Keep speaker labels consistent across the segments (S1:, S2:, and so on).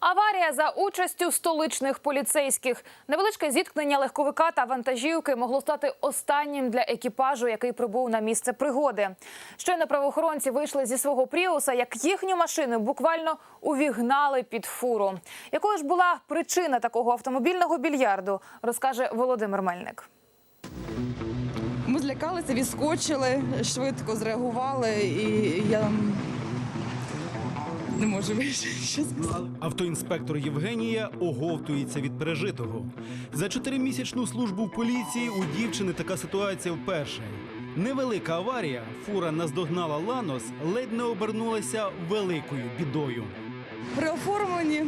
S1: Аварія за участю столичних поліцейських. Невеличке зіткнення легковика та вантажівки могло стати останнім для екіпажу, який прибув на місце пригоди. Щойно правоохоронці вийшли зі свого пріуса, як їхню машину буквально увігнали під фуру. Якою ж була причина такого автомобільного більярду, розкаже Володимир Мельник.
S2: Ми злякалися, відскочили, швидко зреагували і я не можу більше що сказати.
S3: Автоінспектор Євгенія оговтується від пережитого. За 4-місячну службу в поліції у дівчини така ситуація вперше. Невелика аварія, фура наздогнала «Ланос», ледь не обернулася великою бідою.
S2: При оформленні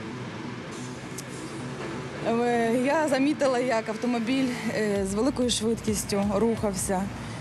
S2: я замітила, як автомобіль з великою швидкістю рухався.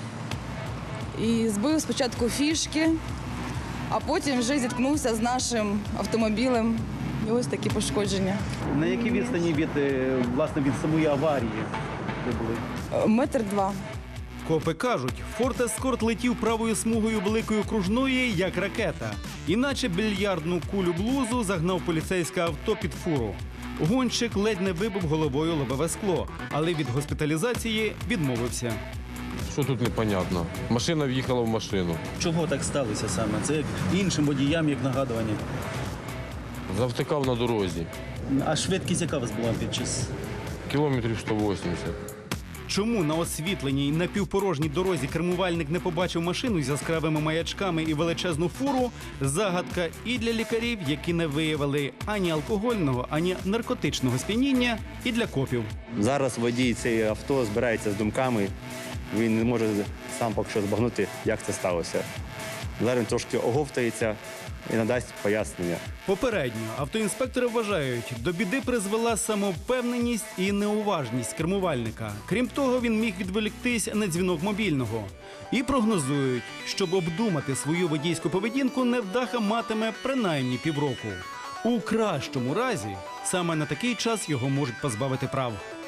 S2: І збив спочатку фішки, а потім вже зіткнувся з нашим автомобілем. І ось такі пошкодження.
S4: На якій відстані від самої аварії ви були?
S2: 1,2 метри.
S3: Копи кажуть, Форд Ескорт летів правою смугою великої окружної, як ракета. Іначе більярдну кулю-блузу загнав поліцейське авто під фуру. Гонщик ледь не вибив головою лобове скло, але від госпіталізації відмовився.
S5: Що тут непонятно? Машина в'їхала в машину.
S4: Чого так сталося саме? Це як іншим водіям, як нагадування.
S5: Завтикав на дорозі.
S4: А швидкість яка у вас була під час?
S5: Кілометрів 180.
S3: Чому на освітленій напівпорожній дорозі кермувальник не побачив машину з яскравими маячками і величезну фуру – загадка і для лікарів, які не виявили ані алкогольного, ані наркотичного сп'яніння, і для копів.
S6: Зараз водій цієї авто збирається з думками, він не може сам поки що збагнути, як це сталося. Зараз він трошки оговтається і надасть пояснення.
S3: Попередньо автоінспектори вважають, до біди призвела самовпевненість і неуважність кермувальника. Крім того, він міг відволіктись на дзвінок мобільного. І прогнозують, щоб обдумати свою водійську поведінку, невдаха матиме принаймні півроку. У кращому разі саме на такий час його можуть позбавити прав.